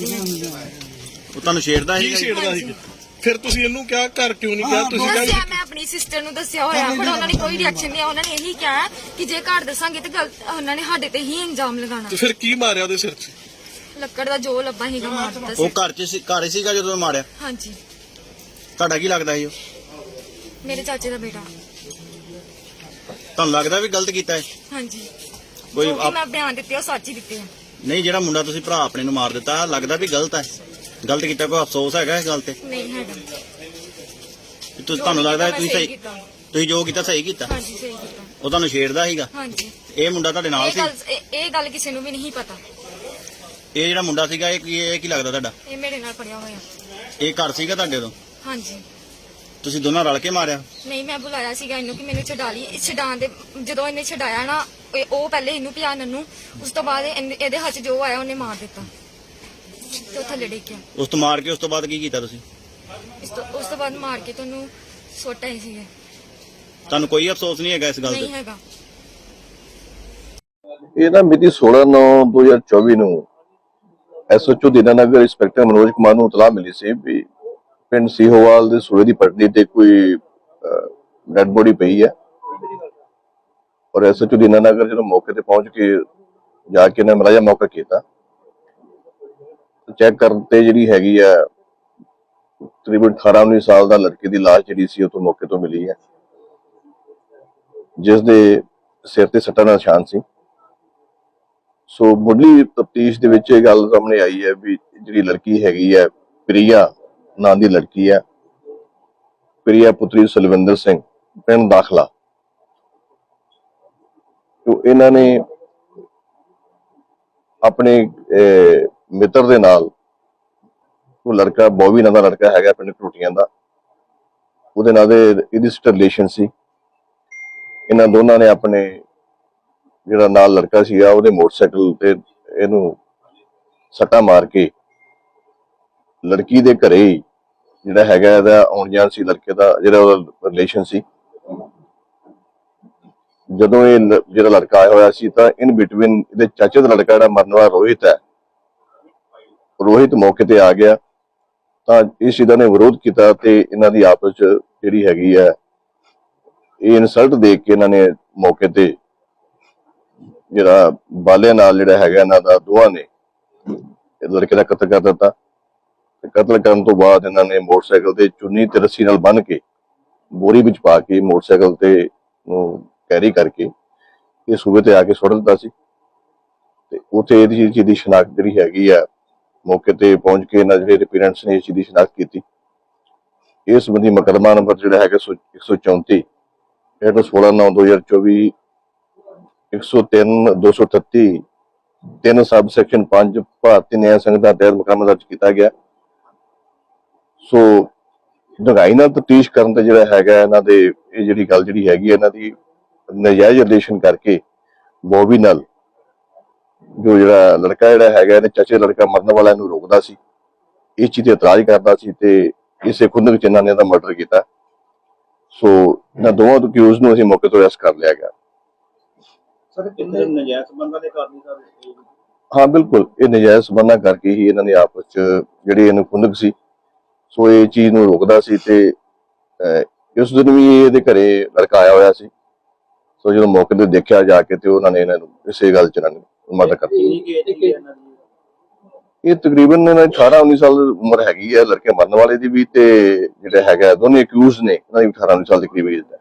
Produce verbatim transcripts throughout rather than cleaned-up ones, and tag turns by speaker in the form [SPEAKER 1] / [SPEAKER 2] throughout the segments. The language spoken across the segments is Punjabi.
[SPEAKER 1] ਨਹੀਂ ਹੈਗੀ।
[SPEAKER 2] ਉਹ ਤੁਹਾਨੂੰ ਛੇੜਦਾ
[SPEAKER 3] ਕੀ
[SPEAKER 2] ਸੀ?
[SPEAKER 3] ਛੇੜਦਾ ਸੀ? ਫਿਰ ਤੁਸੀਂ ਇਹਨੂੰ ਕਿਹਾ ਘਰ ਕਿਉਂ ਨਹੀਂ ਕਿਹਾ? ਤੁਸੀਂ
[SPEAKER 1] ਦੱਸਿਆ
[SPEAKER 3] ਕਿਹਾ
[SPEAKER 1] ਮੈਂ ਆਪਣੀ ਸਿਸਟਰ ਨੂੰ ਦੱਸਿਆ ਹੋਇਆ, ਪਰ ਉਹਨਾਂ ਨੇ ਕੋਈ ਰਿਐਕਸ਼ਨ ਨਹੀਂ। ਉਹਨਾਂ ਨੇ ਇਹੀ ਕਿਹਾ ਕਿ ਜੇ ਘਰ ਦੱਸਾਂਗੇ ਤੇ ਗਲਤ ਉਹਨਾਂ ਨੇ ਸਾਡੇ ਤੇ ਹੀ ਇਲਜ਼ਾਮ ਲਗਾਉਣਾ।
[SPEAKER 3] ਤੇ ਫਿਰ ਕੀ ਮਾਰਿਆ ਉਹਦੇ ਸਿਰ 'ਚ?
[SPEAKER 1] ਲੱਕੜ ਦਾ ਜੋ ਲੱਭਾ ਸੀਗਾ ਮਾਰ ਦਿੱਤਾ
[SPEAKER 2] ਉਹ
[SPEAKER 1] ਸੀ।
[SPEAKER 2] ਘਰ 'ਚ ਸੀ, ਘਰ ਹੀ ਸੀਗਾ ਜਦੋਂ ਮਾਰਿਆ?
[SPEAKER 1] ਹਾਂਜੀ,
[SPEAKER 2] ਤੁਹਾਡਾ ਕੀ ਲੱਗਦਾ ਸੀ ਉਹ?
[SPEAKER 1] ਮੇਰੇ ਚਾਚੇ ਦਾ ਬੇਟਾ।
[SPEAKER 2] ਤੁਹਾਨੂੰ ਲੱਗਦਾ ਵੀ ਗਲਤ ਕੀਤਾ ਹੈ?
[SPEAKER 1] ਹਾਂਜੀ,
[SPEAKER 2] ਕੋਈ
[SPEAKER 1] ਜੋ ਕਿ
[SPEAKER 2] ਆਪ-
[SPEAKER 1] ਮੈਂ ਬਿਆਨ ਦਿੱਤੇ ਉਹ ਸੱਚ ਹੀ ਦਿੱਤੇ ਆ।
[SPEAKER 2] ਨਹੀਂ, ਜਿਹੜਾ ਮੁੰਡਾ ਤੁਸੀਂ ਭਰਾ ਆਪਣੇ ਨੂੰ ਮਾਰ ਦਿੱਤਾ, ਲੱਗਦਾ ਵੀ ਗਲਤ ਹੈ? ਗਲਤ ਕੀਤਾ, ਕੋਈ ਅਫਸੋਸ ਹੈਗਾ ਇਸ ਗੱਲ ਤੇ?
[SPEAKER 1] ਨਹੀਂ ਹੈਗਾ।
[SPEAKER 2] ਵੀ ਤੁਸੀਂ ਤੁਹਾਨੂੰ ਲੱਗਦਾ
[SPEAKER 1] ਮੈਂ
[SPEAKER 2] ਤੁਸੀਂ
[SPEAKER 1] ਸਹੀ
[SPEAKER 2] ਸਹੀ
[SPEAKER 1] ਕੀਤਾ।
[SPEAKER 2] ਤੁਸੀਂ ਜੋ ਕੀਤਾ ਸਹੀ ਕੀਤਾ?
[SPEAKER 1] ਹਾਂਜੀ, ਸਹੀ ਕੀਤਾ।
[SPEAKER 2] ਉਹ ਤੁਹਾਨੂੰ ਛੇੜਦਾ ਸੀਗਾ?
[SPEAKER 1] ਹਾਂਜੀ,
[SPEAKER 2] ਇਹ ਮੁੰਡਾ ਤੁਹਾਡੇ ਨਾਲ
[SPEAKER 1] ਇਹ
[SPEAKER 2] ਸੀ?
[SPEAKER 1] ਗੱਲ ਇਹ- ਇਹ ਗੱਲ ਕਿਸੇ ਨੂੰ ਵੀ ਨਹੀਂ ਪਤਾ।
[SPEAKER 2] ਇਹ ਜਿਹੜਾ ਮੁੰਡਾ ਸੀਗਾ ਇਹ ਕੀ ਇਹ ਕੀ ਲੱਗਦਾ ਤੁਹਾਡਾ?
[SPEAKER 1] ਇਹ ਮੇਰੇ ਨਾਲ ਪੜਿਆ ਹੋਇਆ।
[SPEAKER 2] ਇਹ ਘਰ ਸੀਗਾ ਤੁਹਾਡੇ ਤੋਂ?
[SPEAKER 1] ਹਾਂਜੀ,
[SPEAKER 2] ਤੁਸੀਂ ਦੋਨਾਂ ਰਲ ਕੇ ਮਾਰਿਆ?
[SPEAKER 1] ਨਹੀਂ ਮੈਂ ਬੁਲਾਇਆ ਸੀਗਾ ਇਹਨੂੰ ਕਿ ਮੈਨੂੰ ਛਡਾ ਲਈ। ਛਡਾਉਣ ਦੇ ਜਦੋਂ ਇਹਨੇ ਛਡਾਇਆ ਨਾ, ਇਹ- ਉਹ ਪਹਿਲੇ ਇਹਨੂੰ ਪਿਆ ਨੰਨੂ, ਉਸ ਤੋਂ ਬਾਅਦ ਇਹਨੇ- ਇਹਦੇ ਹੱਥ 'ਚ ਜੋ ਆਇਆ ਉਹਨੇ ਮਾਰ ਦਿੱਤਾ ਤੇ ਉਹ ਥੱਲੇ ਡਿੱਗ ਗਿਆ।
[SPEAKER 2] ਉਸ ਤੋਂ ਮਾਰ ਕੇ ਉਸ ਤੋਂ ਬਾਅਦ ਕੀ ਕੀਤਾ ਤੁਸੀਂ?
[SPEAKER 1] ਇਸ ਤੋਂ ਉਸ ਤੋਂ ਬਾਅਦ ਮਾਰ ਕੇ ਤੁਹਾਨੂੰ ਸੁੱਟ ਆਏ ਸੀਗੇ।
[SPEAKER 2] ਤੁਹਾਨੂੰ ਕੋਈ ਅਫਸੋਸ ਨਹੀਂ ਹੈਗਾ ਇਸ ਗੱਲ
[SPEAKER 1] ਨਹੀਂ
[SPEAKER 2] ਤੇ?
[SPEAKER 1] ਹੈਗਾ।
[SPEAKER 4] ਇਹ ਨਾ ਮਿਤੀ ਸੋਲਾਂ ਨੌ ਦੋ ਹਜ਼ਾਰ ਚੌਵੀ ਨੂੰ ਐਸਓਚਓ ਦੀਨਾਨਗਰ ਇੰਸਪੈਕਟਰ ਮਨੋਜ ਕੁਮਾਰ ਨੂੰ ਇਤਲਾਹ ਮਿਲੀ ਸੀ ਵੀ ਪਿੰਡ ਸੀਹੋਵਾਲ ਦੇ ਸੂਏ ਦੀ ਪਟੜੀ ਤੇ ਕੋਈ ਡੈਡ ਬੋਡੀ ਪਈ ਹੈ। ਔਰ ਐਸਓਚਓ ਦੀਨਾਨਗਰ ਜਦੋਂ ਮੌਕੇ ਤੇ ਪਹੁੰਚ ਕੇ ਜਾ ਕੇ ਨਾ ਮਲਾਜਾ ਮੌਕਾ ਕੀਤਾ, ਚੈੱਕ ਕਰਨ ਤੇ ਜਿਹੜੀ ਹੈਗੀ ਆ ਤਕਰੀਬਨ ਅਠਾਰਾਂ ਉੱਨੀ ਸਾਲ ਦਾ ਲੜਕੇ ਦੀ ਲਾਸ਼ ਜਿਹੜੀ ਸੀ ਉਹ ਤੋਂ ਮੌਕੇ ਤੋਂ ਮਿਲੀ ਹੈ, ਜਿਸ ਦੇ ਸਿਰ ਤੇ ਸੱਟਾਂ ਦਾ ਨਿਸ਼ਾਨ ਸੀ। ਸੋ ਮੁੱਢਲੀ ਤਫਤੀਸ਼ ਦੇ ਵਿੱਚ ਇਹ ਗੱਲ ਸਾਹਮਣੇ ਆਈ ਹੈ ਵੀ ਜਿਹੜੀ ਲੜਕੀ ਹੈਗੀ ਹੈ ਪ੍ਰਿਆ ਨਾਂ ਦੀ ਲੜਕੀ ਹੈ, ਪ੍ਰਿਆ ਪੁੱਤਰੀ ਸੁਲਵਿੰਦਰ ਸਿੰਘ, ਪਿੰਡ ਦਾਖਲਾ। ਤੋਂ ਇਹਨਾਂ ਨੇ ਆਪਣੇ ਮਿੱਤਰ ਦੇ ਨਾਲ, ਉਹ ਲੜਕਾ ਬੋਵੀ ਨਾਂ ਦਾ ਲੜਕਾ ਹੈਗਾ ਪਿੰਡ ਟੂਟੀਆਂ ਦਾ, ਉਹਦੇ ਨਾਲ ਦੇ ਇਹਦੀ ਰਿਲੇਸ਼ਨ ਸੀ। ਇਹਨਾਂ ਦੋਨਾਂ ਨੇ ਆਪਣੇ ਜਿਹੜਾ ਨਾਲ ਲੜਕਾ ਸੀਗਾ ਉਹਦੇ ਮੋਟਰਸਾਈਕਲ ਤੇ ਇਹਨੂੰ ਸੱਟਾ ਮਾਰ ਕੇ ਲੜਕੀ ਦੇ ਘਰੇ ਜਿਹੜਾ ਹੈਗਾ ਇਹਦਾ ਆਉਣ ਜਾਣ ਸੀ, ਲੜਕੇ ਦਾ ਜਿਹੜਾ ਉਹਦਾ ਰਿਲੇਸ਼ਨ ਸੀ। ਜਦੋਂ ਇਹ ਜਿਹੜਾ ਲੜਕਾ ਆਇਆ ਹੋਇਆ ਸੀ ਤਾਂ ਇਨ ਬਿਟਵੀਨ ਇਹਦੇ ਚਾਚੇ ਦਾ ਲੜਕਾ ਜਿਹੜਾ ਮਰਨ ਵਾਲਾ ਰੋਹਿਤ ਹੈ, ਰੋਹਿਤ ਮੌਕੇ ਤੇ ਆ ਗਿਆ ਤਾਂ ਇਸ ਚੀਜ਼ ਨੇ ਵਿਰੋਧ ਕੀਤਾ ਤੇ ਇਹਨਾਂ ਦੀ ਆਪਸ ਚ ਜਿਹੜੀ ਹੈਗੀ ਹੈ ਇਹ ਇਨਸਲਟ ਦੇਖ ਕੇ ਇਹਨਾਂ ਨੇ ਮੌਕੇ ਤੇ ਜਿਹੜਾ ਬਾਲੇ ਨਾਲ ਜਿਹੜਾ ਹੈਗਾ ਇਹਨਾਂ ਦਾ ਦੋਵਾਂ ਨੇ ਲੜਕੇ ਦਾ ਕਤਲ ਕਰ ਦਿੱਤਾ। ਤੇ ਕਤਲ ਕਰਨ ਤੋਂ ਬਾਅਦ ਇਹਨਾਂ ਨੇ ਮੋਟਰਸਾਈਕਲ ਤੇ ਚੁੰਨੀ ਤੇ ਰੱਸੀ ਨਾਲ ਬੰਨ੍ਹ ਕੇ ਬੋਰੀ ਵਿੱਚ ਪਾ ਕੇ ਮੋਟਰਸਾਈਕਲ ਤੇ ਨੂੰ ਕੈਰੀ ਕਰਕੇ ਇਹ ਸੂਬੇ ਤੇ ਆ ਕੇ ਸੁੱਟ ਦਿੱਤਾ ਸੀ। ਤੇ ਉੱਥੇ ਇਹਦੀ ਚੀਜ਼ ਦੀ ਸ਼ਨਾਖਤ ਜਿਹੜੀ ਹੈਗੀ ਆ ਮੌਕੇ ਤੇ ਪਹੁੰਚ ਕੇ ਇਹਨਾਂ ਜਿਹੜੇ ਪੇਰੈਂਟਸ ਨੇ ਇਸ ਚੀਜ਼ ਦੀ ਸ਼ਨਾਖਤ ਕੀਤੀ। ਇਸ ਸੰਬੰਧੀ ਮੁਕੱਦਮਾ ਨੰਬਰ ਜਿਹੜਾ ਹੈਗਾ ਇੱਕ ਸੌ ਚੌਂਤੀ ਹੇਠ ਸੋਲਾਂ ਨੌ ਦੋ ਹਜ਼ਾਰ ਚੌਵੀ ਇੱਕ ਸੌ ਤਿੰਨ ਦੋ ਸੌ ਅਠੱਤੀ ਤਿੰਨ ਸਬ ਸੈਕਸ਼ਨ ਪੰਜ ਭਾਰਤੀ ਨਿਆਂ ਸੰਹਿਤਾ ਤਹਿਤ ਮੁਕੱਦਮਾ ਦਰਜ ਕੀਤਾ ਗਿਆ। ਸੋ ਡੂੰਘਾਈ ਨਾਲ ਤਫਤੀਸ਼ ਕਰਨ ਤੇ ਜਿਹੜਾ ਹੈਗਾ ਇਹਨਾਂ ਦੇ ਇਹ ਜਿਹੜੀ ਗੱਲ ਜਿਹੜੀ ਹੈਗੀ ਇਹਨਾਂ ਦੀ ਨਜਾਇਜ਼ ਰਿਲੇਸ਼ਨ ਕਰਕੇ ਬੋਬੀ ਨਾਲ ਜੋ ਜਿਹੜਾ ਲੜਕਾ ਜਿਹੜਾ ਹੈਗਾ ਇਹਨੇ ਚਾਚੇ ਲੜਕਾ ਮਰਨ ਵਾਲਾ ਇਹਨੂੰ ਰੋਕਦਾ ਸੀ, ਇਸ ਚੀਜ਼ ਤੇ ਇਤਰਾਜ਼ ਕਰਦਾ ਸੀ ਤੇ ਇਸੇ ਖੁੰਦਕ ਚ ਇਹਨਾਂ ਨੇ ਇਹਦਾ ਮਰਡਰ ਕੀਤਾ। ਸੋ ਇਹਨਾਂ ਦੋਵਾਂ ਅਕਿਊਜ਼ ਨੂੰ ਅਸੀਂ ਮੌਕੇ ਤੋਂ ਅਰੈਸਟ ਕਰ ਲਿਆ ਗਿਆ।
[SPEAKER 5] ਸਰ ਕਿੰਨੇ ਨਜਾਇਜ਼ ਸੰਬੰਧਾਂ ਦੇ ਕਾਰਨ ਸਰ?
[SPEAKER 4] ਹਾਂ ਬਿਲਕੁਲ, ਇਹ ਨਜਾਇਜ਼ ਸੰਬੰਧਾਂ ਕਰਕੇ ਹੀ ਇਹਨਾਂ ਨੇ ਆਪਸ ਚ ਜਿਹੜੀ ਇਹਨੂੰ ਖੁੰਦਕ ਸੀ ਸੋ ਇਹ ਚੀਜ਼ ਨੂੰ ਰੋਕਦਾ ਸੀ ਤੇ ਉਸ ਦਿਨ ਵੀ ਇਹਦੇ ਘਰੇ ਲੜਕਾ ਆਇਆ ਹੋਇਆ ਸੀ। ਸੋ ਜਦੋਂ ਮੌਕੇ ਤੇ ਦੇਖਿਆ ਜਾ ਕੇ ਤੇ ਉਹਨਾਂ ਨੇ ਇਹਨਾਂ ਨੂੰ ਇਸੇ ਗੱਲ ਚ ਇਹਨਾਂ ਨੂੰ ਮਰਡਰ ਕਰ ਦਿੱਤਾ। ਇਹ ਤਕਰੀਬਨ ਇਹਨਾਂ ਦੀ ਅਠਾਰਾਂ ਉੱਨੀ ਸਾਲ ਉਮਰ ਹੈਗੀ ਹੈ ਲੜਕੇ ਮਰਨ ਵਾਲੇ ਦੀ ਵੀ ਤੇ ਜਿਹੜਾ ਹੈਗਾ ਦੋਨੇ ਅਕਿਊਜ਼ ਨੇ ਇਹਨਾਂ ਦੀ ਅਠਾਰਾਂ ਉੱਨੀ ਸਾਲ ਦੇ ਕਰੀਬ ਏਜ ਹੈ।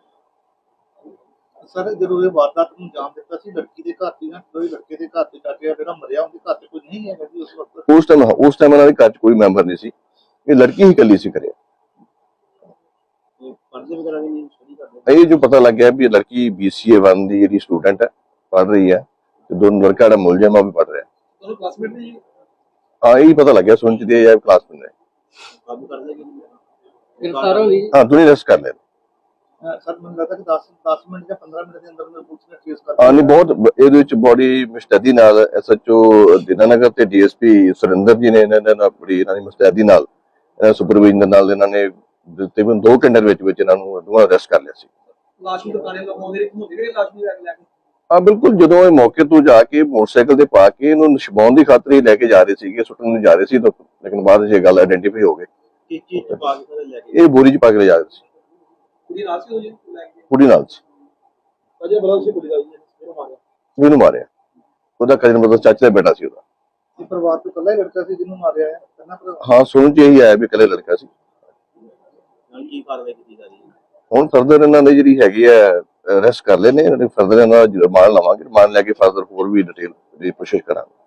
[SPEAKER 5] ਸਰ ਜਦੋਂ ਇਹ ਵਾਰਦਾਤ ਨੂੰ ਅੰਜਾਮ ਦਿੱਤਾ ਸੀ ਲੜਕੀ ਦੇ ਘਰ ਦੀ ਨਾ ਕੋਈ ਲੜਕੇ ਦੇ ਘਰ ਤੇ ਚਾਚੇ ਜਿਹੜਾ ਮਰਿਆ ਉਹਦੇ ਘਰ ਤੇ ਕੋਈ ਨਹੀਂ ਹੈਗਾ ਜੀ ਉਸ ਵਕਤ?
[SPEAKER 4] ਉਸ ਟਾਈਮ ਉਸ ਟਾਈਮ ਇਹਨਾਂ ਦੇ ਘਰ ਚ ਕੋਈ ਮੈਂਬਰ ਨਹੀਂ ਸੀ, ਇਹ ਲੜਕੀ ਹੀ ਇਕੱਲੀ ਸੀ ਕਰਿਆ।
[SPEAKER 5] ਪਰਦੇ ਵਗੈਰਾ ਵੀ ਨਹੀਂ ਸਟੱਡੀ ਕਰਦੇ?
[SPEAKER 4] ਇਹ ਜੋ ਪਤਾ ਲੱਗਿਆ ਵੀ ਇਹ ਲੜਕੀ ਬੀਸੀਏ ਵਨ ਦੀ ਜਿਹੜੀ ਸਟੂਡੈਂਟ ਹੈ, ਪੜ੍ਹ ਰਹੀ ਹੈ ਤੇ ਦੋਨੋਂ ਲੜਕਾ ਜਿਹੜਾ ਮੁਲਜ਼ਮ ਆ ਵੀ ਪੜ੍ਹ ਰਿਹਾ।
[SPEAKER 5] ਉਹਨੂੰ ਕਲਾਸਮੇਟ ਨੇ ਜੀ?
[SPEAKER 4] ਹਾਂ ਇਹੀ ਪਤਾ ਲੱਗਿਆ ਸੁਣ ਚ ਦੇ ਕਲਾਸਮੇਟ ਨੇ।
[SPEAKER 5] ਕਾਬੂ ਕਰ ਲਿਆ ਕਿ
[SPEAKER 6] ਗ੍ਰਿਫਤਾਰ ਹੋ ਗਈ?
[SPEAKER 4] ਹਾਂ ਦੋਨੇ ਅਰੈਸਟ ਕਰ ਲਏ।
[SPEAKER 5] ਸਰ ਮੈਨੂੰ ਲੱਗਦਾ ਕਿ ਦਸ ਦਸ ਮਿੰਟ ਜਾਂ ਪੰਦਰਾਂ ਮਿੰਟ ਦੇ ਅੰਦਰ ਅੰਦਰ ਪੁਲਿਸ ਨੇ ਟ੍ਰੇਸ ਕਰ
[SPEAKER 4] ਹਾਂ ਨਹੀਂ ਬਹੁਤ ਇਹਦੇ ਵਿੱਚ ਬੜੀ ਮੁਸਤੈਦੀ ਨਾਲ ਐਸਐਚਓ ਦੀਨਾਨਗਰ ਤੇ ਡੀਐਸਪੀ ਸੁਰਿੰਦਰ ਜੀ ਨੇ ਇਹਨਾਂ ਨੇ ਬੜੀ ਇਹਨਾਂ ਦੀ ਮੁਸਤੈਦੀ ਨਾਲ ਸੁਪਰਵਾਈਜ਼ਰ ਨਾਲ ਇਹਨਾਂ ਨੇ ਤਕਰੀਬਨ ਦੋ ਘੰਟੇ ਵਿੱਚ ਵਿੱਚ ਇਹਨਾਂ ਨੂੰ ਦੋਵਾਂ ਅਰੈਸਟ ਕਰ ਲਿਆ ਸੀ।
[SPEAKER 6] ਲਾਸ਼ ਨੂੰ ਦੁਕਾਨੇ ਲੋਕ ਆਉਂਦੇ ਹੁੰਦੇ ਜਿਹੜੇ ਲਾਸ਼ ਨੂੰ ਲੈ ਕੇ
[SPEAKER 4] ਹਾਂ ਬਿਲਕੁਲ, ਜਦੋਂ ਇਹ ਮੌਕੇ ਤੋਂ ਜਾ ਕੇ ਮੋਟਰਸਾਈਕਲ ਤੇ ਪਾ ਕੇ ਇਹਨੂੰ ਛੁਪਾਉਣ ਦੀ ਖਾਤਰ ਹੀ ਲੈ ਕੇ ਜਾ ਰਹੇ ਸੀਗੇ, ਸੁੱਟਣ ਨੂੰ ਜਾ ਰਹੇ ਸੀ ਤਾਂ ਲੇਕਿਨ ਬਾਅਦ ਵਿੱਚ ਇਹ ਗੱਲ ਆਇਡੈਂਟੀਫਾਈ ਹੋ ਗਈ।
[SPEAKER 5] ਕੀ ਚੀਜ਼ ਚ ਪਾ ਕੇ ਸਾਰੇ ਲੈ ਕੇ
[SPEAKER 4] ਇਹ ਬੋਰੀ 'ਚ ਪਾ ਕੇ ਲੈ ਜਾ ਰਹੇ ਸੀ,
[SPEAKER 5] ਕੁੜੀ ਨਾਲ ਸੀ ਉਹ ਜੀ ਲੈ ਕੇ
[SPEAKER 4] ਕੁੜੀ ਨਾਲ ਸੀ,
[SPEAKER 5] ਅਜੇ ਬੜਾ ਸੀ ਕੁੜੀ ਦਾ ਜੀ ਇਹਨੂੰ ਮਾਰਿਆ
[SPEAKER 4] ਉਹਨੂੰ ਮਾਰਿਆ। ਉਹਦਾ ਕਜ਼ਨ ਮਤਲਬ ਚਾਚੇ ਦਾ ਬੇਟਾ ਸੀ ਉਹਦਾ।
[SPEAKER 5] ਇਹ ਪਰਿਵਾਰ ਤੋਂ ਇਕੱਲਾ ਹੀ ਲੜਕਾ ਸੀ ਜਿਹਨੂੰ ਮਾਰਿਆ ਹੈ ਕਹਿੰਦਾ ਪਰ
[SPEAKER 4] ਹਾਂ ਸੁਣ 'ਚ ਇਹੀ ਆਇਆ ਵੀ ਇਕੱਲੇ ਲੜਕਾ ਸੀ।
[SPEAKER 5] ਹੁਣ ਕੀ ਕਾਰਵਾਈ ਕੀਤੀ ਜਾ ਰਹੀ ਹੈ?
[SPEAKER 4] ਹੁਣ ਫਰਦਰ ਇਹਨਾਂ ਦੀ ਜਿਹੜੀ ਹੈਗੀ ਹੈ ਅਰੈਸਟ ਕਰ ਲੈਨੇ, ਫਰਦਰ ਇਹਨਾਂ ਦਾ ਰਿਮਾਂਡ ਲਵਾਂਗੇ, ਰਿਮਾਂਡ ਲੈ ਕੇ ਫਰਦਰ ਹੋਰ ਵੀ ਡਿਟੇਲ ਦੀ ਕੋਸ਼ਿਸ਼ ਕਰਾਂਗੇ।